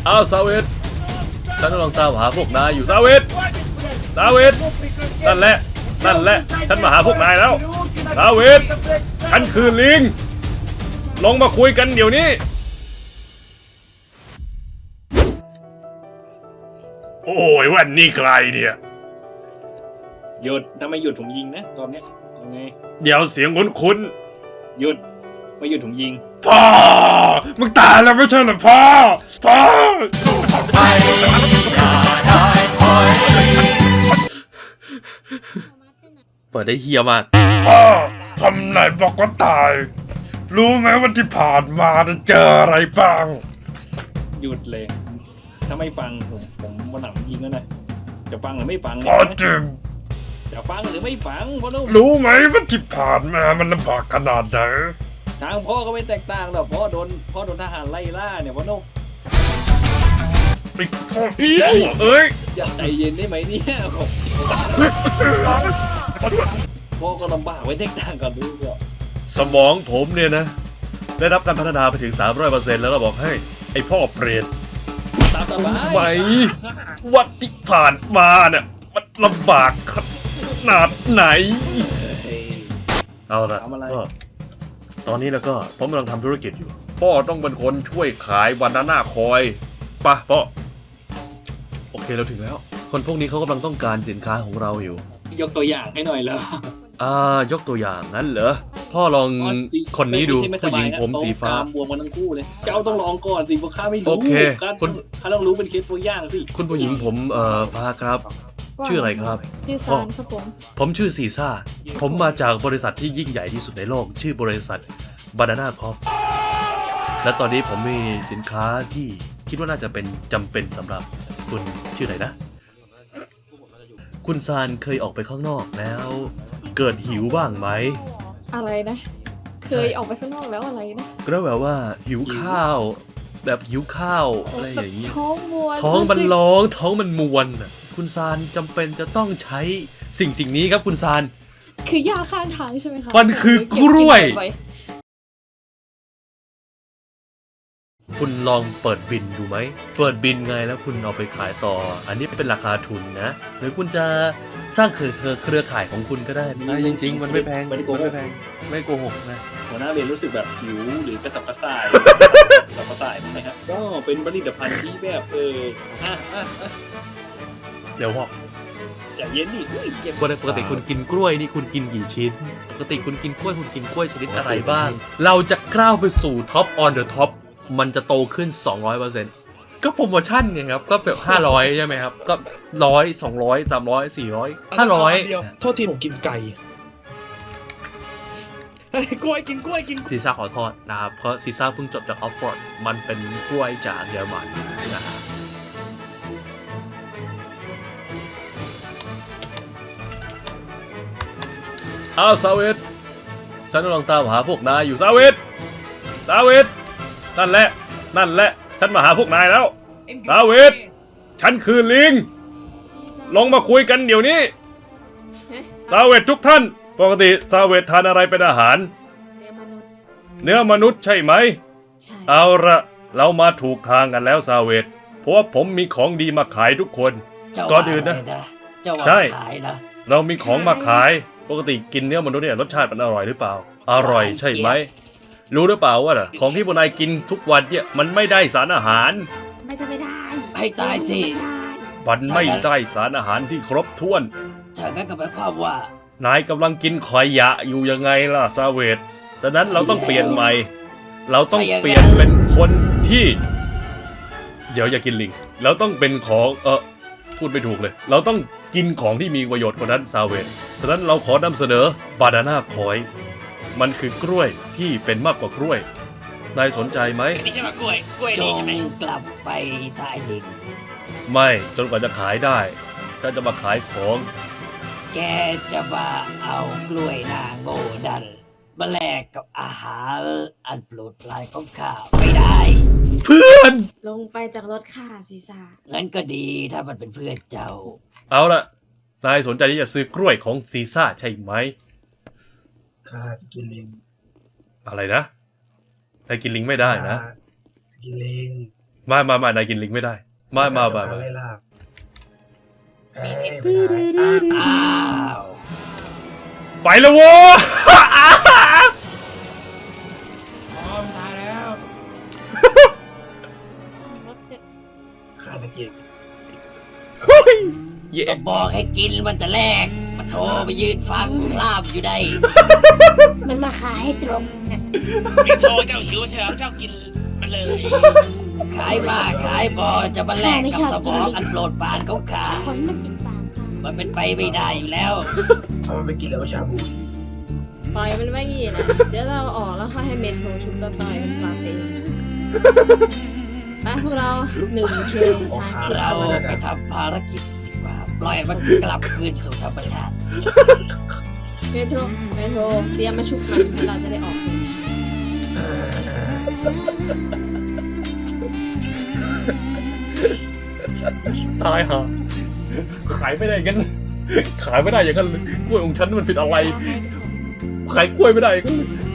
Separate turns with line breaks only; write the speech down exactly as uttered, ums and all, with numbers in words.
อ้าวซาเวตฉันกำลังตามหาพวกนายอยู่ซาเวตซาเวตนั่นแหละนั่นแหละฉันมาหาพวกนายแล้วซาเวตฉันคือลิงลงมาคุยกันเดี๋ยวนี้โอ้ยวันนี้ใครเนี่ย
หยุดถ้าไม่หยุดผมยิงนะรอบนี้ยังไง
เดี๋ยวเสียงคุ้น
ๆหยุดไม่หยุดผมยิง
พ่อมึงตายแล้วไม่ใช่เหรอพ่อพ่อไม่ได้เปิดได้เฮียมากพ่อทำไหนบอกว่าตายรู้ไหมวันที่ผ่านมาจะเจออะไรบ้าง
หยุดเลยถ้าไม่ฟังผมผมวันหลังยิงแล้วนะจะฟังหรือไม่ฟัง
พ่อจริง
จะฟังหรือไม่ฟังพ่อนุ่ม
รู้ไหมวันที่ผ่านมามันลำบากขนาดไหน
ทางพ่อก็ไม่แตกต่างหรอกพ่อโดนพ่อโดนทหารไล่ล่าเนี่ยพ่อนุ่ม
ไอ้พ่อเอ้ย
อย่าใจเย็นได้ไหมเนี่ยพ่อก็ลำบากไว้แตกต่างกันดูเถอะ
สมองผมเนี่ยนะได้รับการพัฒนาไปถึง สามร้อยเปอร์เซ็นต์ แล้วเราบอกให้ไอ้พ่อเปรต
ตามสบาย
ไหมวันที่ผ่านมาเนี่ยมันลำบากขนาดไหนเอาละก็ตอนนี้แล้วก็ผมกำลังทำธุรกิจอยู่พ่อต้องเป็นคนช่วยขายบานาน่าคอยป่ะพ่อโอเคเราถึงแล้วคนพวกนี้เขากำลังต้องการสินค้าของเราอยู่
ยกตัวอย่างให้หน่อยแล้ว
อ่ายกตัวอย่างงั้นเหรอพ่อลองคนนี้ดูผู้หญิงผมสีฟ้า
บวมกันทั้งคู่เลยเจ้าต้องลองก่อนสิพวกข้าไม่รู้
โอเค
คุณข้าต้องรู้เป็นเคสตัวอย่างสิ
คุณผู้หญิงผมเอ่อฟ้าครับชื่ออะไรครับ
ชื่อซานครับผม
ผมชื่อซีซ่าผมมาจากบริษัทที่ยิ่งใหญ่ที่สุดในโลกชื่อบริษัท Banana Corp และตอนนี้ผมมีสินค้าที่คิดว่าน่าจะเป็นจำเป็นสำหรับคุณชื่ออะไรนะคุณซานเคยออกไปข้างนอกแล้วเกิดหิวบ้างไหม
อะไรนะเคยออกไปข้างนอกแล้วอะไรนะ
ก็แบบว่าหิวข้าวแบบหิวข้าวอะไรอย่างนี้
ท้องมวน
ท้องมันร้องท้องมันมวนคุณซานจำเป็นจะต้องใช้สิ่งสิ่งนี้ครับคุณซาน
คือยาข้างทางใช่ไหมคะ
มันคือกล้วยคุณลองเปิดบินดูไหมเปิดบินไงแล้วคุณเอาไปขายต่ออันนี้เป็นราคาทุนนะหรือคุณจะสร้างเครือเครือข่ายของคุณก็ได้จริงๆมันไม่แพงมันไม่แพงไม่โกหกนะ
หัวหน้าเรียนรู้สึกแบบหิวหรือกระสับกระส่ายกระสับกระส่ายไหมครับก็เป็นผลิตภัณฑ์ที่แบบเอออ่ะอ่ะ
เดี๋ยวบอก
ใจเย็นดิ
ปกติคุณกินกล้วยนี่คุณกินกี่ชิ้นปกติคุณกินกล้วยคุณกินกล้วยชนิดอะไรบ้างเราจะก้าวไปสู่ท็อปออนเดอะท็อปมันจะโตขึ้น สองร้อยเปอร์เซ็นต์ ก็โปรโมชั่นไงครับก็แบบห้าร้อยใช่ไหมครับก็หนึ่งร้อย สองร้อย สามร้อย สี่ร้อย ห้าร้อย
โทษทีผมกินไก่กล้วยกินกล้วยกิน
ซีซ่าขอโทษนะครับเพราะซีซ่าเพิ่งจบจากออฟฟอร์ดมันเป็นกล้วยจากเยอรมันนะฮะอ้าวซาเวตฉันกำลังตามหาพวกนายอยู่ซาเวตซาเวตนั่นแหละนั่นแหละฉันมาหาพวกนายแล้วซาเวตฉันคือลิงลงมาคุยกันเดี๋ยวนี้ซาเวตทุกท่านปกติซาเวตทานอะไรเป็นอาหารเนื้อมนุษย์ใช่ไหมเอาละเรามาถูกทางกันแล้วซาเวตเพราะว่าผมมีของดีมาขายทุกคนก่อนอื่นนะใช่เรามีของมาขายปกติกินเนื้อมนุษย์เนี่ยรสชาติมันอร่อยหรือเปล่าอร่อยใช่ไหมรู้หรือเปล่าว่าของที่พวกนายกินทุกวันเนี่ยมันไม่ได้สารอาหาร
ไม่จะไม่ได้
ให้ตายสิ
มันไม่ได้สารอาหารที่ครบถ้วน
จากนั้นก็หมายความว่
านายกำลังกินขยะอยู่ยังไงล่ะซาเวตดังนั้นเราต้องเปลี่ยนใหม่เราต้องเปลี่ยนเป็นคนที่เดี๋ยวอย่ากินลิงเราต้องเป็นของเออพูดไม่ถูกเลยเราต้องกินของที่มีประโยชน์กว่านั้นซาเวตดังนั้นเราขอนำเสนอบานาน่าคอยมันคือกล้วยที่เป็นมากกว่ากล้วยนายสนใจไหม
นี่ใช่ไหมกล้วยกล้วยนี่ใช่ไหมกลับไปสายลิง
ไม่จนกว่าจะขายได้ถ้าจะมาขายของ
แกจะมาเอากล้วยนาโง่ดันมาแลกกับอาหารอันโปรดปรานของข้าไม่ได้
เพื่อน
ลงไปจากรถข้าซีซ่า
งั้นก็ดีถ้ามันเป็นเพื่อนเจ้า
เอาล่ะนายสนใจที่จะซื้อกล้วยของซีซ่าใช่ไหม
ข้าจะกินลิง
อะไรนะนายกินลิงไม่ได้นะ
จะกินลิง
มามา มานายกินลิงไม่ได้ มามามา
จะ
มา
ไล่ล่าเอ้ยไปไหนอ่ะ
อ้าว
ไปแล้วโว้ย
ข้าจะกิน
เย่
ก็บอกให้กินมันจะแลกมาโทรไปยืนฟังลาบอยู่ได้
มันมาขายให้ตรงเนี่ย
ไม่โทรเจ้าหิวเถอะเจ้ากินมาเลย
ขายบ้าขายบอจะมาแลกกับสมองอันโปรดปรานของข้า
คนมันติดปากค่ะ
มันเป็นไปไม่ได้อยู่แล้ว
เอามันไปกินแล้วก็ชาบู
ปล่อยมันไว้งี้นะเดี๋ยวเราออกแล้วค่อยให้เมนโทรชุบต่อๆเป็นฟาเต้ไปพวกเราหนึ่งเชนทางที่
เรา
เรา
ไปทำภารกิจดีกว่า ปล่อยมันกลับคืนสู่ธรรมชาติ
เมโทรเมโทรเตรียมมาชุบมันเราจะได้ออก
ตายฮะขายไม่ได้อย่างนั้นขายไม่ได้อย่างนั้นเลยกล้วยของฉันมันผิดอะไร ขายกล้วยไม่ได้อย่างนั้นเลย